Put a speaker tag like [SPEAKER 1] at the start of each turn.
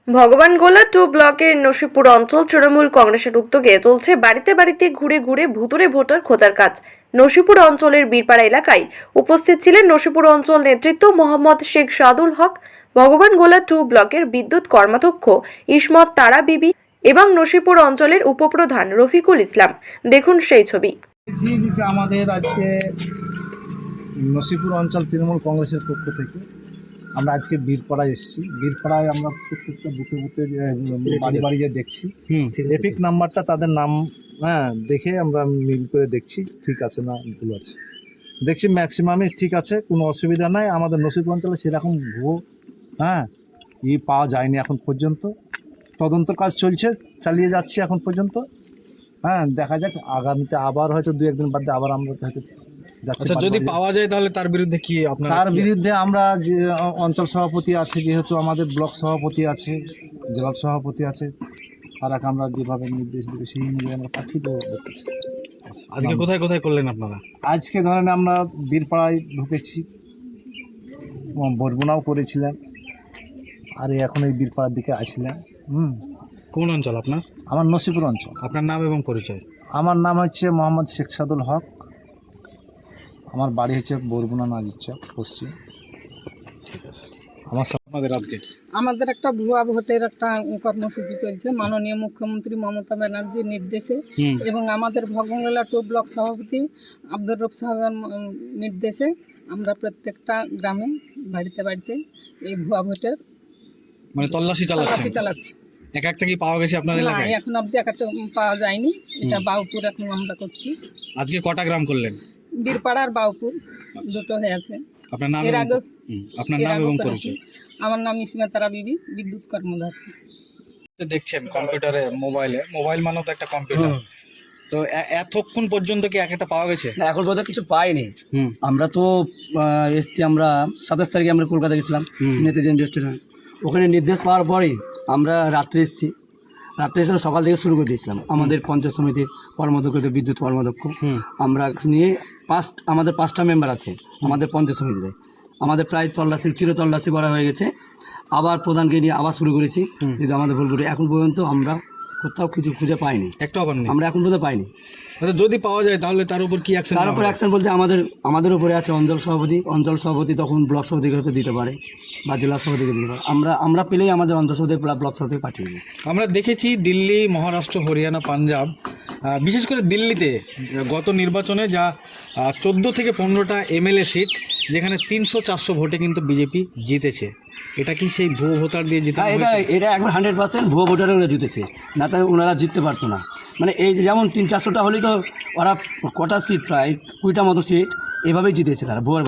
[SPEAKER 1] ভগবানগোলা 2 ব্লকের নসিপুর অঞ্চল তৃণমূল কংগ্রেসের উদ্যোগে চলছে বাড়িতে বাড়িতে ঘুরে ঘুরে ভুতুড়ে ভোটার খোঁজার কাজ। নসিপুর অঞ্চলের বীরপাড়া এলাকায় উপস্থিত ছিলেন নসিপুর অঞ্চল নেতৃত্ব মোহাম্মদ শেখ সাদুল হক, ভগবানগোলা 2 ব্লকের বিদ্যুৎ কর্মাধ্যক্ষ ইসমত তারা বিবি এবং নসিপুর অঞ্চলের উপপ্রধান রফিকুল ইসলাম। দেখুন সেই ছবি।
[SPEAKER 2] আমাদের আজকে নসিপুর অঞ্চল তৃণমূল কংগ্রেসের পক্ষ থেকে আমরা আজকে বীরপাড়ায় এসেছি। বীরপাড়ায় আমরা প্রত্যেকটা বুথে বুথে বাড়ি বাড়ি গিয়ে দেখছি এপিক নাম্বারটা তাদের নাম দেখে আমরা মিল করে দেখছি ঠিক আছে না ভুল আছে, দেখছি ম্যাক্সিমামই ঠিক আছে, কোনো অসুবিধা নাই। আমাদের নসিপুর অঞ্চলে সেরকম ভুয়ো পাওয়া যায়নি এখন পর্যন্ত। তদন্ত কাজ চলছে, চালিয়ে যাচ্ছি এখন পর্যন্ত। দেখা যাক আগামীতে আবার হয়তো 2-1 দিন বাদে আবার আমরা হয়তো যাচ্ছি।
[SPEAKER 3] আচ্ছা, যদি পাওয়া যায় তাহলে তার বিরুদ্ধে কি আপনারা?
[SPEAKER 2] তার বিরুদ্ধে আমরা যে অঞ্চল সভাপতি আছে, যেহেতু আমাদের ব্লক সভাপতি আছে, জেলা সভাপতি আছে, তারা আমরা যেভাবে নির্দেশ দেবে সেই অনুযায়ী আমরা পাঠিয়ে দেবো।
[SPEAKER 3] আজকে কোথায় কোথায় করলেন আপনারা?
[SPEAKER 2] আজকে ধরেন আমরা বীরপাড়ায় ঢুকেছি, বরগুনাও করেছিলাম, আর এখন এই বীরপাড়ার দিকে আসলাম।
[SPEAKER 3] কোন অঞ্চল আপনার?
[SPEAKER 2] আমার নসিপুর অঞ্চল।
[SPEAKER 3] আপনার নাম এবং পরিচয়?
[SPEAKER 2] আমার নাম হচ্ছে মোহাম্মদ শেখ সাদুল হক, আমার বাড়ি হচ্ছে বরগুনা নাজিরচক পশ্চিম।
[SPEAKER 3] ঠিক আছে।
[SPEAKER 2] আমার
[SPEAKER 3] আপনাদের আজকে
[SPEAKER 4] আমাদের একটা ভুয়া ভোটের একটা কর্মসূচি চলছে মাননীয় মুখ্যমন্ত্রী মমতা ব্যানার্জির নির্দেশে এবং আমাদের ভগবানগোলা 2 ব্লক সভাপতি আব্দুর রব সাহেবের নির্দেশে আমরা প্রত্যেকটা গ্রামে বাড়িতে বাড়িতে এই ভুয়া ভোটের
[SPEAKER 3] মানে তল্লাশি
[SPEAKER 4] চালাচ্ছি।
[SPEAKER 3] একটা কি পাওয়া গেছে আপনার এলাকায়?
[SPEAKER 4] এখন অবধি একটা পাওয়া যায়নি। এটা বাউপুর এখন আমরা করছি।
[SPEAKER 3] আজকে কটা গ্রাম করলেন?
[SPEAKER 4] বীরপাড়া আর বাউপুর দুটো হয়েছে।
[SPEAKER 3] আপনার নাম
[SPEAKER 4] এর আগে
[SPEAKER 3] আপনার নাম এবং পরিচয়?
[SPEAKER 4] আমার নাম ইসমত তারা বিবি, বিদ্যুৎ কর্মদক্ষ।
[SPEAKER 3] দেখছেন কম্পিউটারে, মোবাইল মানেও তো একটা কম্পিউটার। তো এতক্ষণ পর্যন্ত কি একটা পাওয়া গেছে?
[SPEAKER 5] না, এখন পর্যন্ত কিছু পাইনি। আমরা তো এসছি, আমরা 27 তারিখে আমরা কলকাতা গেছিলাম নেতাজি রেস্টুরেন্ট, ওখানে নির্দেশ পাওয়ার পরেই আমরা রাত্রে এসেছি। রাত্রে এসে সকাল থেকে শুরু করে দিয়েছিলাম আমাদের পঞ্চায়েত সমিতির কর্মদক্ষ, বিদ্যুৎ কর্মদক্ষ আমরা নিয়ে আমাদের 5টা মেম্বার আছে আমাদের পঞ্চায়েত সমিতিতে। আমাদের প্রায় চিরতল্লাশি করা হয়ে গেছে। আবার প্রধানকে নিয়ে আবার শুরু করেছি, যদি আমাদের ভুল করে এখন পর্যন্ত আমরা কোথাও কিছু খুঁজে পাইনি।
[SPEAKER 3] একটা আবার নেই,
[SPEAKER 5] আমরা এখন পর্যন্ত পাইনি।
[SPEAKER 3] আচ্ছা, যদি পাওয়া যায় তাহলে তার উপর কি অ্যাকশন?
[SPEAKER 5] তার উপর অ্যাকশন বলতে আমাদের উপরে আছে অঞ্চল সভাপতি তখন ব্লক সভাপতিকে হয়তো দিতে পারে বা জেলা সভাপতিকে দিতে পারে। আমরা পেলেই আমাদের অঞ্চল সভাপতি ব্লক সভাপতি পাঠিয়ে দিই।
[SPEAKER 3] আমরা দেখেছি দিল্লি, মহারাষ্ট্র, হরিয়ানা, পাঞ্জাব, বিশেষ করে দিল্লিতে গত নির্বাচনে যা 14 থেকে 15টা এমএলএ সিট, যেখানে 300-400 ভোটে কিন্তু বিজেপি জিতেছে। এটা কি সেই ভুয়ো ভোটার দিয়ে জিতে?
[SPEAKER 5] এটা একবার 100% ভুয়ো ভোটারে ওরা জিতেছে, না তাহলে ওনারা জিততে পারতো না। মানে এই যেমন 300-400টা হলেই তো ওরা কটা সিট, প্রায় 20টা মতো সিট এভাবেই জিতেছে তারা ভুয়ো।